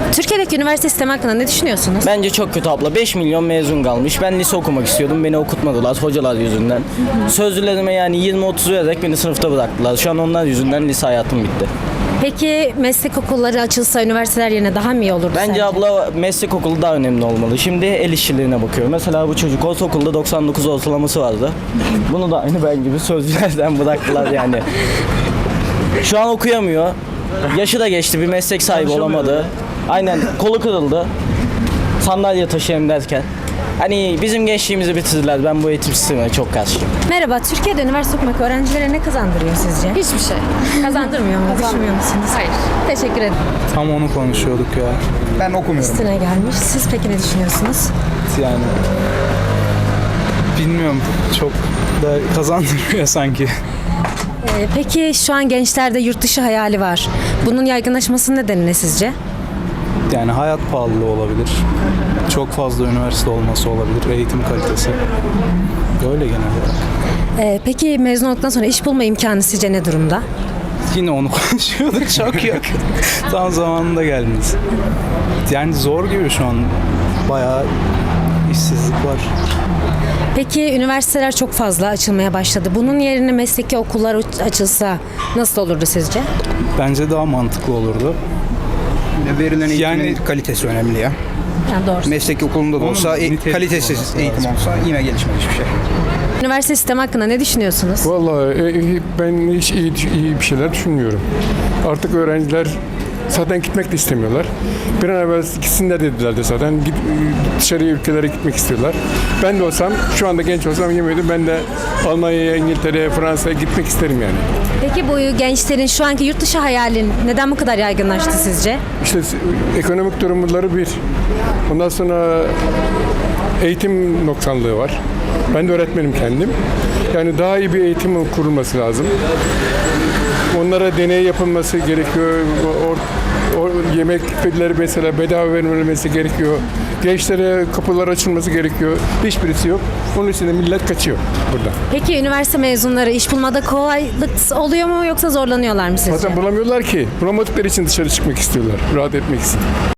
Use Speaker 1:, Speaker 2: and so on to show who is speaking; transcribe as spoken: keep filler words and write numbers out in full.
Speaker 1: Türkiye'deki üniversite sistemi hakkında ne düşünüyorsunuz?
Speaker 2: Bence çok kötü abla. beş milyon mezun kalmış. Ben lise okumak istiyordum. Beni okutmadılar hocalar yüzünden. Sözlülerime yani yirmi otuz vererek beni sınıfta bıraktılar. Şu an onlar yüzünden lise hayatım bitti.
Speaker 1: Peki meslek okulları açılsa üniversiteler yerine daha mı iyi olurdu
Speaker 2: Bence
Speaker 1: sence?
Speaker 2: abla meslek okulu daha önemli olmalı. Şimdi el işçiliğine bakıyor. Mesela bu çocuk ortaokulda doksan dokuz ortalaması vardı. Bunu da aynı ben gibi sözlülerden bıraktılar yani. Şu an okuyamıyor. Yaşı da geçti, bir meslek sahibi olamadı. Aynen, kolu kırıldı. Sandalye taşıyayım derken. Hani bizim gençliğimizi bitirdiler. Ben bu eğitim sistemine çok karşıyım.
Speaker 1: Merhaba, Türkiye'de üniversite okumak öğrencilere ne kazandırıyor sizce?
Speaker 3: Hiçbir şey.
Speaker 1: Kazandırmıyor mu? Düşünmüyor musunuz?
Speaker 3: Hayır.
Speaker 1: Teşekkür ederim.
Speaker 4: Tam onu konuşuyorduk ya.
Speaker 5: Ben okumuyorum.
Speaker 1: Üstüne gelmiş. Siz peki ne düşünüyorsunuz?
Speaker 4: Yani bilmiyorum, çok da kazandırmıyor sanki.
Speaker 1: Ee, peki şu an gençlerde yurt dışı hayali var. Bunun yaygınlaşmasının nedeni ne sizce?
Speaker 4: Yani hayat pahalılığı olabilir. Çok fazla üniversite olması olabilir. Eğitim kalitesi. Böyle genel olarak.
Speaker 1: Ee, peki mezun olduktan sonra iş bulma imkanı sizce ne durumda?
Speaker 4: Yine onu konuşuyorduk, çok yok. Tam zamanında geldiniz. Yani zor gibi şu an. Bayağı işsizlik var.
Speaker 1: Peki üniversiteler çok fazla açılmaya başladı. Bunun yerine mesleki okullar açılsa nasıl olurdu sizce?
Speaker 4: Bence daha mantıklı olurdu.
Speaker 5: Verilen eğitimin
Speaker 4: Yani-
Speaker 5: kalitesi önemli ya.
Speaker 1: Yani doğru.
Speaker 5: Meslek okulunda da
Speaker 4: Onun
Speaker 5: olsa e-
Speaker 4: nitelikli
Speaker 5: kalitesiz
Speaker 4: olması
Speaker 5: eğitim
Speaker 4: lazım.
Speaker 5: olsa yine gelişmez hiçbir şey.
Speaker 1: Üniversite sistemi hakkında ne düşünüyorsunuz?
Speaker 6: Vallahi e, ben hiç iyi, iyi bir şeyler düşünmüyorum. Artık öğrenciler zaten gitmek de istemiyorlar. Bir an evvel gitsinler dediler de zaten. Git, dışarıya ülkelere gitmek istiyorlar. Ben de olsam, şu anda genç olsam yemedim. Ben de Almanya'ya, İngiltere'ye, Fransa'ya gitmek isterim yani.
Speaker 1: Peki bu gençlerin şu anki yurt dışı hayalin neden bu kadar yaygınlaştı sizce?
Speaker 6: İşte ekonomik durumları bir. Ondan sonra eğitim noksanlığı var. Ben de öğretmenim kendim. Yani daha iyi bir eğitim kurulması lazım. Onlara deney yapılması gerekiyor. O, o yemekleri mesela bedava verilmesi gerekiyor. Gençlere kapılar açılması gerekiyor. Hiçbirisi yok. Onun için de millet kaçıyor burada.
Speaker 1: Peki üniversite mezunları iş bulmada kolaylık oluyor mu yoksa zorlanıyorlar mı sizce?
Speaker 6: Zaten bulamıyorlar ki. Bulamadıkları için dışarı çıkmak istiyorlar. Rahat etmek için.